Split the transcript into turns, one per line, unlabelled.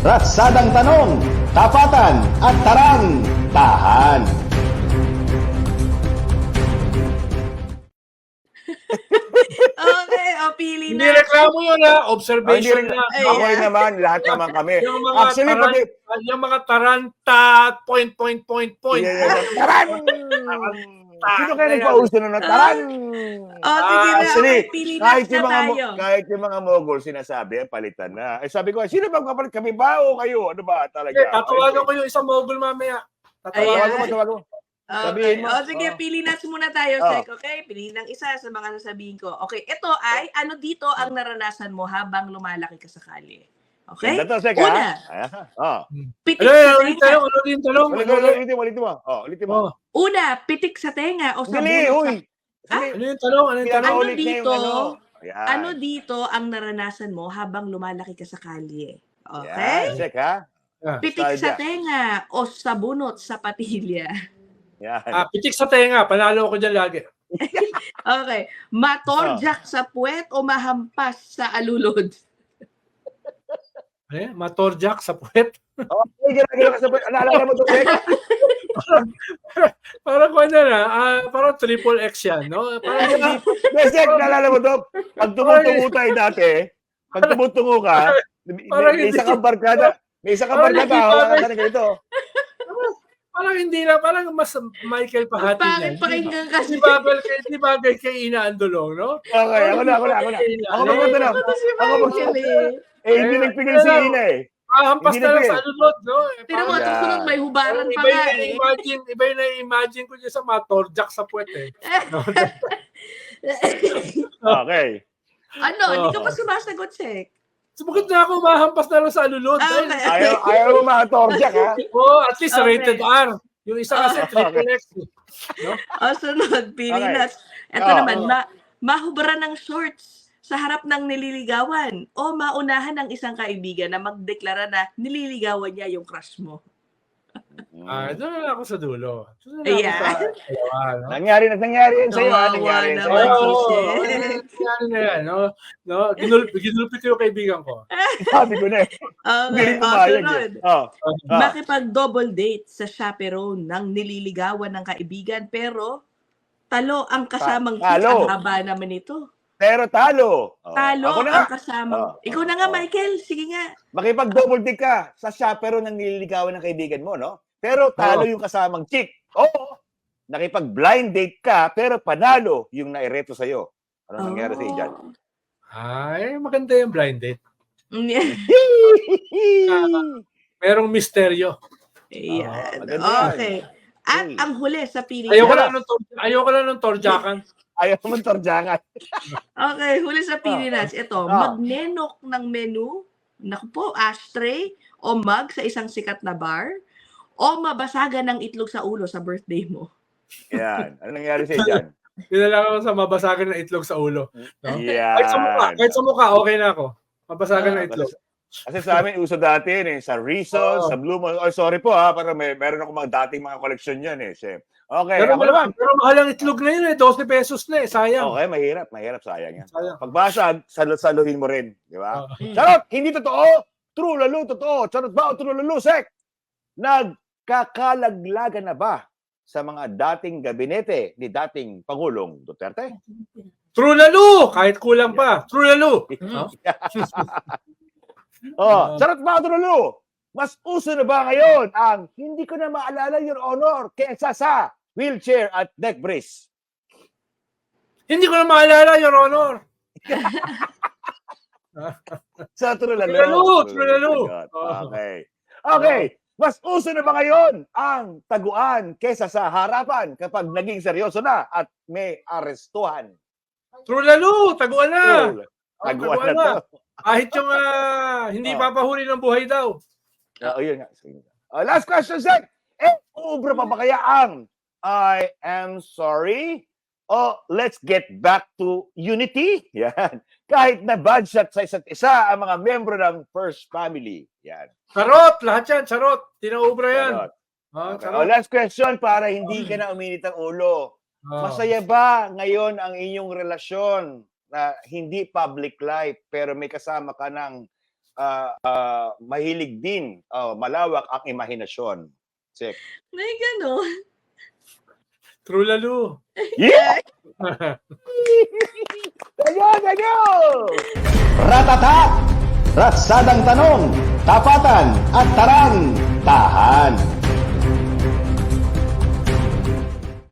Ratsadang tanong, tapatan at tarang, tahan.
Okay, o pili
Hindi
na.
reklamo yun ha, observation
Hindi,
na.
okay naman, lahat naman kami.
Yung mga
Actually, pati...
yung mga taranta, point.
Taran! Sino kayo nagpauso na taran?
O sige na,
Actually,
okay, pili na tayo.
kahit yung mga mogul sinasabi, palitan na. Eh sabi ko, sino bang kapalit? Kami ba o kayo? Ano ba talaga?
Okay, tatawagan ko yung isang mogul mamaya.
Ayan.
Tawagan mo.
Okay.
Sabihin mo.
O sige, pili na muna tayo,
Oh.
Sek. Okay, pili ng isa sa mga sasabihin ko. Okay, ito ay, ano dito ang naranasan mo habang lumalaki ka sa kalye? Okay?
Ganda to, Sek,
Una,
ha?
pitik
Ano
sa
ulit
tenga.
tanong?
Ulitin mo. Ulitin mo.
Oh,
Una, pitik sa tenga o sa
Dali,
bunot
uy.
sa...
ano yung tanong? Ano yung tanong?
Pinapaulit
Ano
niya
dito?
yung ano. Ayan.
Ano dito ang naranasan mo habang lumalaki ka sa kalye?
Yan,
Okay?
Sek, ha?
Pitik sa
Nostalgia.
tenga o sa bunot sa patilya.
Yan.
Pitik sa tenga, panalo ko dyan lagi.
Okay. Matorjak sa puwet o mahampas sa alulod?
Matorjak sa puwet.
Okay, ginagawa ka sa... Naalala mo ito, Sek?
Parang kung ano na, parang triple X yan, no? Parang hindi,
Sek, naalala mo ito? Pag tumutungo tayo dati, pag tumutungo ka,
Parang
may
hindi-
isa kang barkada. May isa kang
Parang
barkada,
hindi
hawakan
bagay.
ka na ganito.
parang hindi lang, parang mas Michael Pahati
Bakit
yan.
pakinggan kasi?
Di bagay kay Ina Andolong, no?
Okay, ako na. Ako magtatanong.
Ako si
Ako
Michael eh.
hindi nagpigil si Ina eh.
Hampas
Hindi
na lang
na
sa alulod, no?
Pero
Parang-
mga susunod may hubaran pa
Iba
nga
yung
eh.
imagine ko dyan sa matorjak sa puwet eh. No?
Okay.
Ano, hindi ka pa sumasagot, Sek.
Sumagot na ako, mahampas na lang sa alulod.
Okay.
Ayaw mo mga torjak, ha?
At least
Okay.
rated R. Yung isa kasi triple X. No?
O sunod, pili
Okay.
na. Ito
Oh.
naman, mahubra ng shorts sa harap ng nililigawan o maunahan ng isang kaibigan na magdeklara na nililigawan niya yung crush mo.
Doon na lang ako sa dulo. Doon na lang
Ayan.
ako sa dalawa, no?
Nangyari yan sa'yo, ha? Nangyari yan
Kawawa
sa'yo.
naman.
Ano na yan, no? Ginulpi ko yung kaibigan ko.
Sabi ko na eh. Hindi
Okay,
rin
o
pumayag
sunod.
eh.
Makipag-double date sa chaperone ng nililigawan ng kaibigan pero talo ang kasamang chick.
Talo.
Ang haba naman ito.
Pero talo.
Talo
Ako na
ang
nga.
kasamang...
Oh.
Ikaw na nga, Michael. Sige nga.
Makipag-double dick ka sa chaperone ng nililigawan ng kaibigan mo, no? Pero talo yung kasamang chick. Oo. Nakipag-blind date ka, pero panalo yung naireto sa'yo. Ano nangyari sa'yo dyan?
Ay, maganda yung blind date.
Yeah.
Merong misteryo.
Ayan.
maganda yan.
Okay. At
Hey.
ang huli sa pili.
Ayoko lang ng torjakan.
Ayaw mo torjangan.
Okay, huli sa pili nuts. Ito, magnenok ng menu, naku po, ashtray, o mug sa isang sikat na bar, o mabasagan ng itlog sa ulo sa birthday mo.
Yan. Ano nangyari sa'yo dyan?
Dinala ko sa mabasagan ng itlog sa ulo. No?
Yan.
Kahit sa mukha, okay na ako. Mabasagan ng itlog.
Kasi sa amin, uso dati yun eh. Sa Rizal, sa Blue Moon. Oh, sorry po ha. Para meron ako dating mga koleksyon yan eh. Chef. Okay.
Pero,
Ako naman.
pero mahal ang itlog na yun eh. 12 pesos na eh. Sayang.
Okay, mahirap. Mahirap. Sayang yan.
Sayang.
Pagbasag, saluhin mo rin. Di ba?
Oh.
Charot! Hindi totoo! True, lalo, totoo. Charot ba o true, lalo, sek? Nagkakalaglagan na ba sa mga dating gabinete ni dating Pangulong Duterte?
True lalo! Kahit kulang pa. True lalo. No?
Charot ba o true, lalo? Mas uso na ba ngayon ang hindi ko na maalala, Your Honor, kesa sa wheelchair at neck brace?
Hindi ko na maalala, Your Honor.
Sa true, lalo.
True, lalo.
Okay. Okay. Mas uso na ba ngayon ang taguan kesa sa harapan kapag naging seryoso na at may arestuhan?
True lalo. Taguan na.
Taguan
taguan
na to.
Kahit yung hindi papahuli ng buhay daw.
Yun nga. Sige. Last question, Zach. Ubra pa ba kaya ang I am sorry? O let's get back to unity? Yan. Kahit na bad shot sa isa't isa ang mga membro ng First Family. Yan.
Charot. Lahat yan. Charot. Tinaubra yan.
Charot. Okay.
Charot.
Last question para hindi ka na uminit ang ulo. Masaya ba ngayon ang inyong relasyon na hindi public life pero may kasama ka ng mahilig din, malawak ang imahinasyon. Sek.
May gano'n.
True lalo.
Yeah! Ganyan!
Ratata! Ratsadang tanong, tapatan at tarang, tahan.